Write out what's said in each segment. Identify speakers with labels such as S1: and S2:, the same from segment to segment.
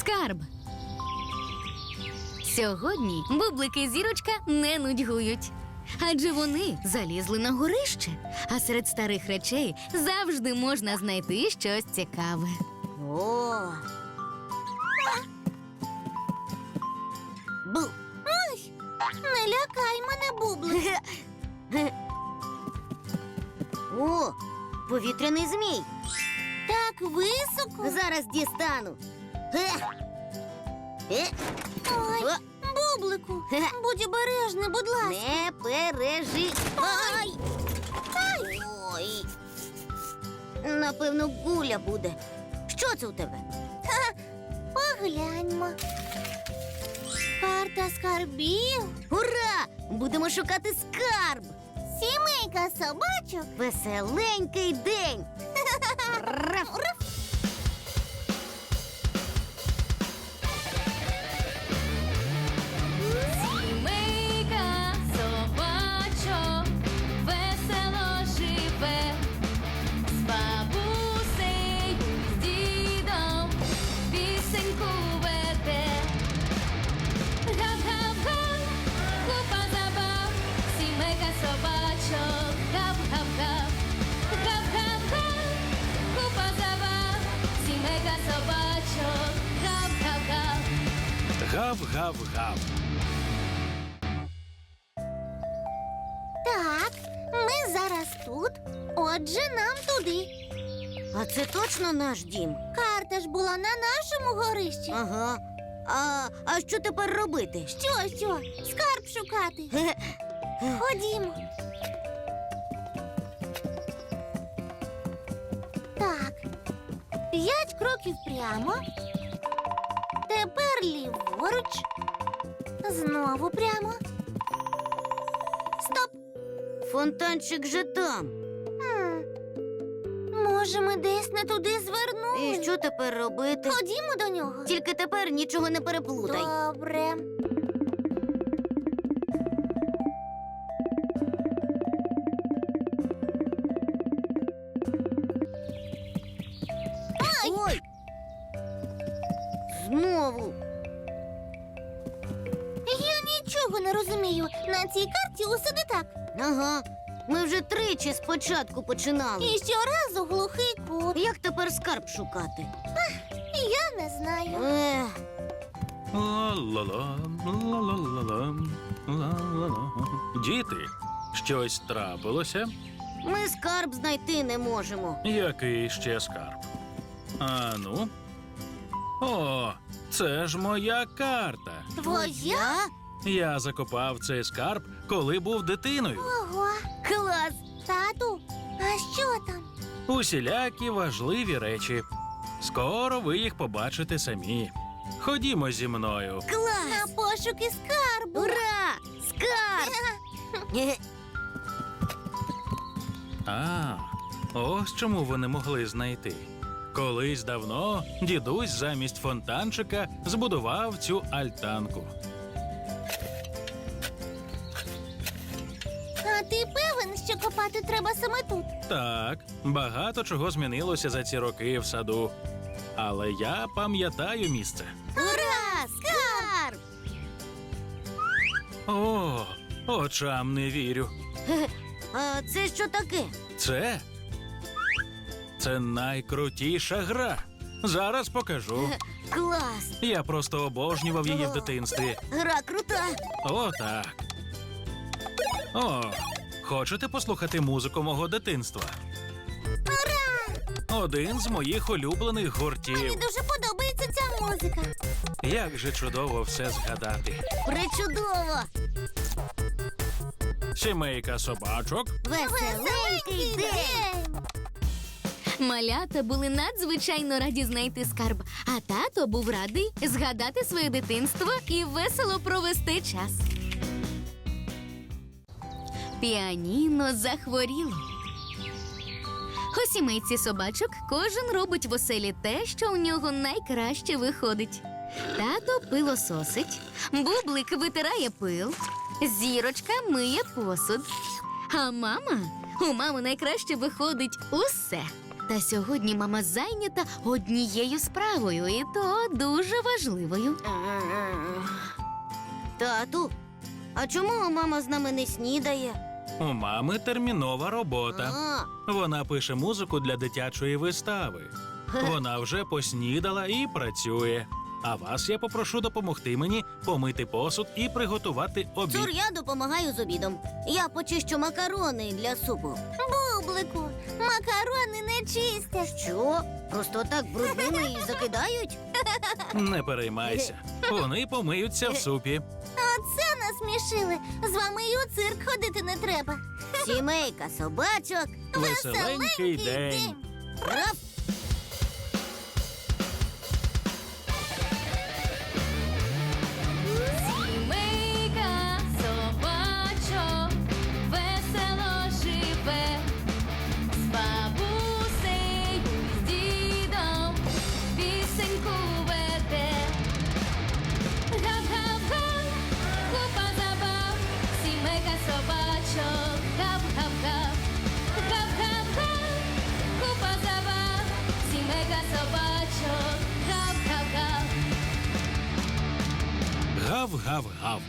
S1: Скарб. Сьогодні Бублик і Зірочка не нудьгують. Адже вони залізли на горище, а серед старих речей завжди можна знайти щось цікаве.
S2: О! Бу!
S3: Ой, не лякай мене, Бублик.
S2: О, повітряний змій.
S3: Так високо.
S2: Зараз дістану.
S3: Ой,
S2: О,
S3: Бублику, будь обережний, будь ласка.
S2: не переживай. Ой. Напевно, гуля буде. Що це у тебе?
S3: Погляньмо. Карта скарбів.
S2: Ура! Будемо шукати скарб.
S3: Сімейка собачок.
S2: Веселенький день. Раф.
S1: Сімейка собачок весело живе, з бабусею, з дідом пісеньку веде. Гап-гап-га, купа забав, сімейка собачок, гап-гап-га. Гап-гап-га, купа забав, сімейка собачок, гап-гап-га.
S4: Гав-гав-гав.
S3: Так, ми зараз тут. Отже, нам туди.
S2: А це точно наш дім?
S3: Карта ж була на нашому горищі.
S2: Ага. А що тепер робити?
S3: Що? Скарб шукати. Ходімо. Так. 5 кроків прямо. Тепер ліворуч. Знову прямо. Стоп.
S2: Фонтанчик же там.
S3: Може, ми десь не туди звернули?
S2: І що тепер робити?
S3: Ходімо до нього.
S2: Тільки тепер нічого не переплутай.
S3: Добре.
S2: Ой! Знову.
S3: Я нічого не розумію. На цій карті усе не так.
S2: Ага. Ми вже тричі спочатку починали.
S3: І щоразу глухий кут.
S2: Як тепер скарб шукати?
S3: Я не знаю.
S2: Ех,
S4: Ла-ла-ла, ла-ла-ла-ла, ла-ла-ла. Діти, щось трапилося?
S2: ми скарб знайти не можемо.
S4: Який ще скарб? А ну? О, це ж моя карта.
S3: Твоя?
S4: Я закопав цей скарб, коли був дитиною.
S3: Ого.
S2: Клас!
S3: Тату, а що там?
S4: Усілякі важливі речі. Скоро ви їх побачите самі. Ходімо зі мною.
S2: Клас!
S3: На пошуки скарбу.
S2: Ура! Скарб! Е,
S4: А, ось чому вони могли знайти. Колись давно дідусь замість фонтанчика збудував цю альтанку.
S3: А ти певен, що копати треба саме тут?
S4: Так, багато чого змінилося за ці роки в саду. Але я пам'ятаю місце.
S2: Ура! Скарб!
S4: О, очам не вірю.
S2: А це що таке?
S4: Це найкрутіша гра. Зараз покажу.
S2: Клас!
S4: Я просто обожнював її в дитинстві.
S2: Гра крута!
S4: О, так. О, хочете послухати музику мого дитинства? Один з моїх улюблених
S3: Мені
S4: гуртів.
S3: дуже подобається ця музика.
S4: Як же чудово все згадати.
S2: Причудово!
S4: Сімейка собачок.
S2: Веселенький день!
S1: Малята були надзвичайно раді знайти скарб, а тато був радий згадати своє дитинство і весело провести час. Піаніно захворіло. У сімейці собачок кожен робить в оселі те, що у нього найкраще виходить. Тато пилососить, Бублик витирає пил, Зірочка миє посуд. А у мами найкраще виходить усе. Та сьогодні мама зайнята однією справою, і то дуже важливою.
S2: Тату, а чому мама з нами не снідає?
S4: У мами термінова робота.
S2: А,
S4: Вона пише музику для дитячої вистави. Вона вже поснідала і працює. А вас я попрошу допомогти мені помити посуд і приготувати обід.
S2: Цур, я допомагаю з обідом. Я почищу макарони для супу.
S3: Бублику, макарони не чистять.
S2: Що? Просто так брудними і закидають?
S4: Не переймайся. Вони помиються в супі.
S3: Оце насмішили. З вами і у цирк ходити не треба.
S2: Сімейка собачок.
S4: Веселенький день.
S2: Раф!
S1: Сімейка собачок весело живе, з бабусею, з дідом пісеньку веде. Гап-гап-га, купа забав, сімейка собачок, гап-гап-га. Гап-гап-га, купа забав, сімейка собачок, гап-гап-га.
S4: Гав-гав-гав.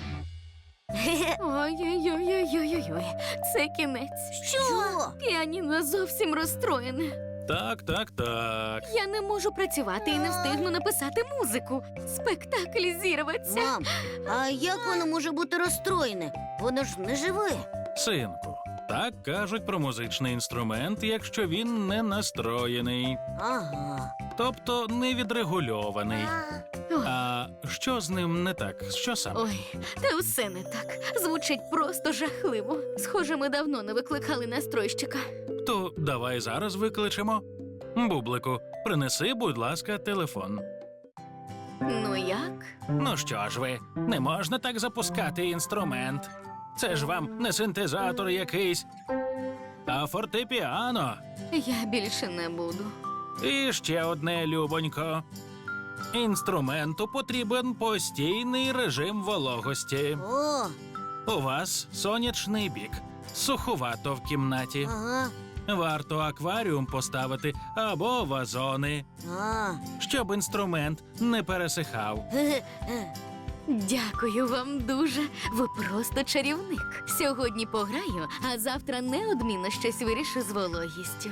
S1: Ой-ой-ой-ой-ой-ой, це кінець.
S2: Що?
S1: Піаніно зовсім розстроєне.
S4: Так.
S1: Я не можу працювати і не встигну написати музику. Спектакль зірветься.
S2: Мам, а як воно може бути розстроєне? Воно ж не живе.
S4: Синку, так кажуть про музичний інструмент, якщо він не настроєний,
S2: Ага.
S4: тобто не відрегульований.
S1: Ой,
S4: А що з ним не так? Що саме?
S1: ой, та все не так. Звучить просто жахливо. Схоже, ми давно не викликали настройщика.
S4: То давай зараз викличемо. Бублику, принеси, будь ласка, телефон.
S1: Ну як?
S4: Ну що ж ви, не можна так запускати інструмент. Це ж вам не синтезатор якийсь, а фортепіано.
S1: Я більше не буду.
S4: І ще одне, любонько. Інструменту потрібен постійний режим вологості.
S2: О,
S4: У вас сонячний бік, суховато в кімнаті.
S2: ага.
S4: Варто акваріум поставити або вазони,
S2: А.
S4: щоб інструмент не пересихав.
S2: Ге-ге.
S1: Дякую вам дуже. Ви просто чарівник. Сьогодні пограю, а завтра неодмінно щось вирішу з вологістю.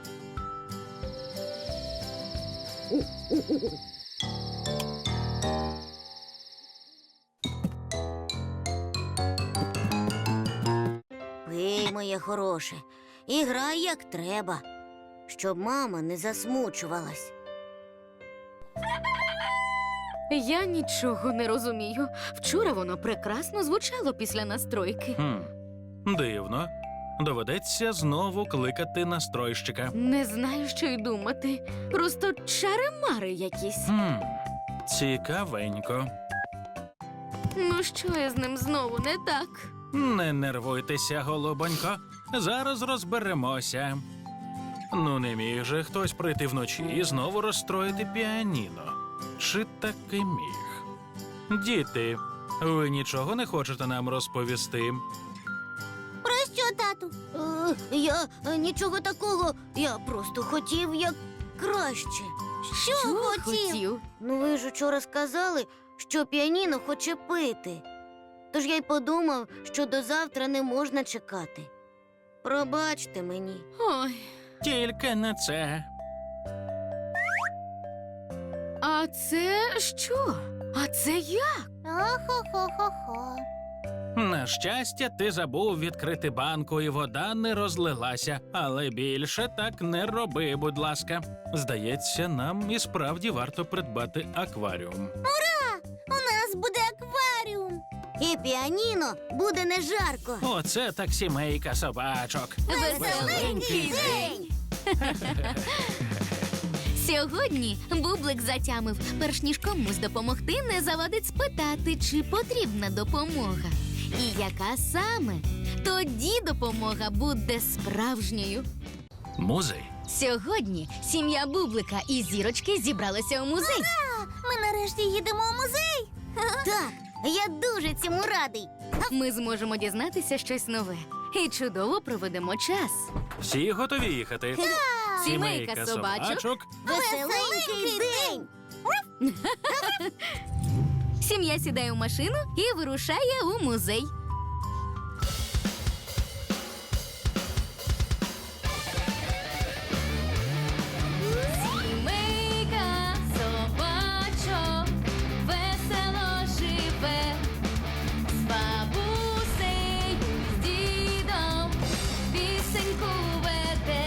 S2: Пий, моє хороше, і грай як треба, щоб мама не засмучувалась.
S1: Я нічого не розумію. Вчора воно прекрасно звучало після настройки.
S4: Дивно. Доведеться знову кликати настройщика.
S1: Не знаю, що й думати. Просто чари-мари якісь.
S4: Цікавенько.
S1: Ну що я з ним знову не так?
S4: Не нервуйтеся, голубонько. Зараз розберемося. Ну, не міг же хтось прийти вночі і знову розстроїти піаніно. Чи таки міг? Діти, ви нічого не хочете нам розповісти?
S3: Про що, тату?
S2: Я нічого такого, я просто хотів як краще.
S3: Що хотів?
S2: Ну ви ж учора сказали, що піаніно хоче пити. Тож я й подумав, що до завтра не можна чекати. Пробачте мені.
S1: Ой,
S4: Тільки не це.
S1: а це що? А це як?
S3: Охо-хо-хо-хо.
S4: На щастя, ти забув відкрити банку, і вода не розлилася. Але більше так не роби, будь ласка. Здається, нам і справді варто придбати акваріум.
S3: У нас буде акваріум.
S2: І піаніно буде не жарко.
S4: Оце так сімейка собачок.
S1: Веселенький день! Сьогодні Бублик затямив, перш ніж комусь допомогти, не завадить спитати, чи потрібна допомога. І яка саме? Тоді допомога буде справжньою.
S4: Музей.
S1: Сьогодні сім'я Бублика і Зірочки зібралися у музей.
S3: Ми нарешті їдемо у музей.
S2: Так, я дуже цьому радий.
S1: Ми зможемо дізнатися щось нове і чудово проведемо час.
S4: Всі готові їхати?
S1: Сімейка собачок.
S2: Веселенький день!
S1: Сім'я сідає у машину і вирушає у музей. Сімейка собачок весело живе, з бабусею, з дідом пісеньку веде.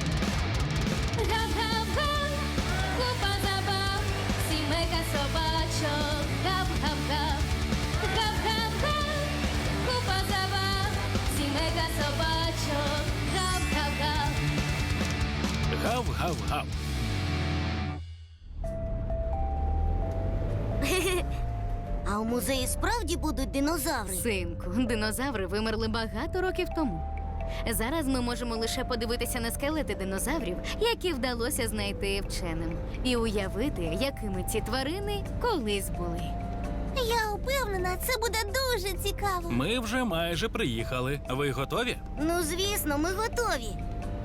S1: Гав-гав-га, купа забав, сімейка собачок, гав-гав-гав. Гав-гав-га, купа забав, сімейка собачок, гав-гав-гав.
S4: Гав-гав-гав.
S2: А у музеї справді будуть динозаври?
S1: Синку, динозаври вимерли багато років тому. Зараз ми можемо лише подивитися на скелети динозаврів, які вдалося знайти вченим, і уявити, якими ці тварини колись були.
S3: Я впевнена, це буде дуже цікаво.
S4: Ми вже майже приїхали. Ви готові?
S2: Ну, звісно, ми готові.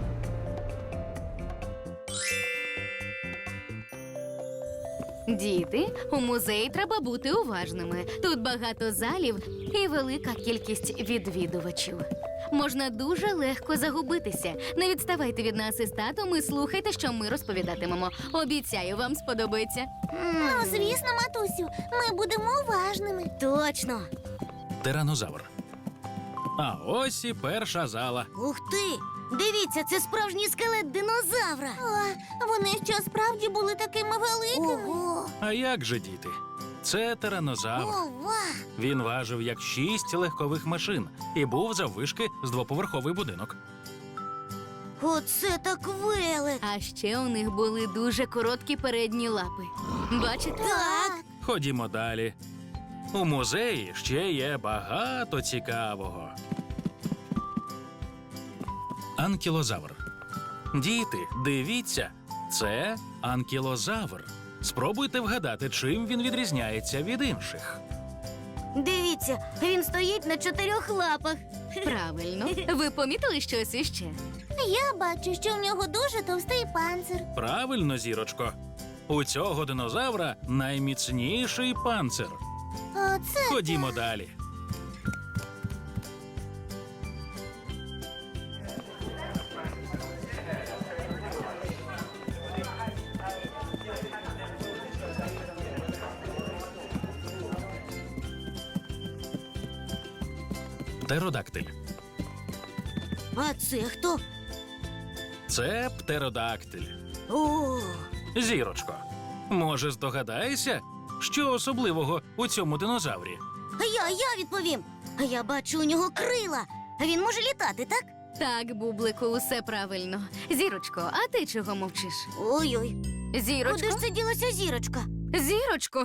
S1: Діти, у музеї треба бути уважними. Тут багато залів і велика кількість відвідувачів. Можна дуже легко загубитися. Не відставайте від нас із татом і слухайте, що ми розповідатимемо. Обіцяю, вам сподобається.
S3: Ну, звісно, матусю, ми будемо уважними.
S2: Точно.
S4: Тиранозавр. А ось і перша зала.
S2: Ух ти! Дивіться, це справжній скелет динозавра.
S3: О, вони що справді були такими великими?
S2: Ого!
S4: А як же, діти? Це тиранозавр.
S3: Ова!
S4: Він важив як 6 легкових машин і був заввишки з двоповерховий будинок.
S2: Оце так велик!
S1: А ще у них були дуже короткі передні лапи. Бачите?
S2: Так!
S4: Ходімо далі. У музеї ще є багато цікавого. Анкілозавр. Діти, дивіться, це анкілозавр. Спробуйте вгадати, чим він відрізняється від інших.
S2: Дивіться, він стоїть на 4 лапах.
S1: Правильно. Ви помітили щось іще?
S3: Я бачу, що в нього дуже товстий панцир.
S4: Правильно, зірочко. У цього динозавра найміцніший панцир.
S3: Оце
S4: Ходімо далі. Птеродактиль.
S2: А це хто?
S4: Це птеродактиль.
S2: О,
S4: Зірочко, може, здогадаєшся, що особливого у цьому динозаврі?
S2: а я відповім. А я бачу у нього крила. А він може літати, так?
S1: Так, Бублику, усе правильно. Зірочко, а ти чого мовчиш?
S2: Ой-ой.
S1: Зірочко?
S2: Куди ж це ділася зірочка?
S1: Зірочко!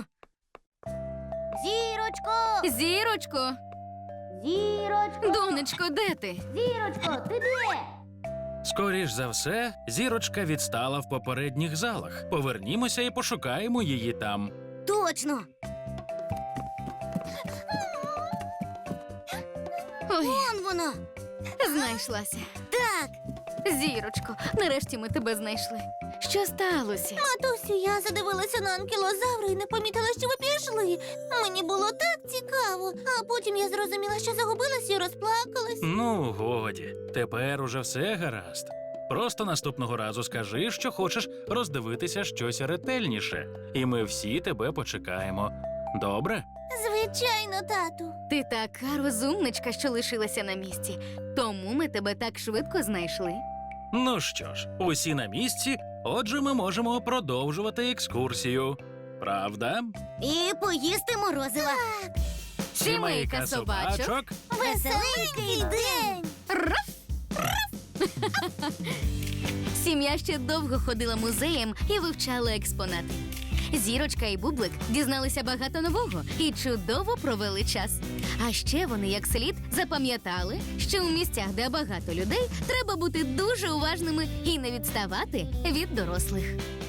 S2: Зірочко!
S1: Зірочко!
S2: Зірочко!
S1: Донечко, де ти?
S2: Зірочко, ти де?
S4: Скоріш за все, зірочка відстала в попередніх залах. Повернімося і пошукаємо її там.
S2: Точно!
S1: Ой,
S2: Вон вона!
S1: знайшлася.
S2: Так!
S1: Зірочко, нарешті ми тебе знайшли. Що сталося?
S3: матусю, я задивилася на анкілозавра і не помітила, що ви пішли. Мені було так цікаво. А потім я зрозуміла, що загубилась і розплакалась.
S4: Ну, годі, тепер уже все гаразд. Просто наступного разу скажи, що хочеш роздивитися щось ретельніше, і ми всі тебе почекаємо. Добре?
S3: Звичайно, тату.
S1: Ти така розумничка, що лишилася на місці. Тому ми тебе так швидко знайшли.
S4: Ну що ж, усі на місці, отже, ми можемо продовжувати екскурсію. Правда?
S2: І поїсти морозива.
S1: Сімейка собачок.
S3: Веселенький день!
S1: Сім'я ще довго ходила музеєм і вивчала експонати. Зірочка і Бублик дізналися багато нового і чудово провели час. А ще вони як слід запам'ятали, що у місцях, де багато людей, треба бути дуже уважними і не відставати від дорослих.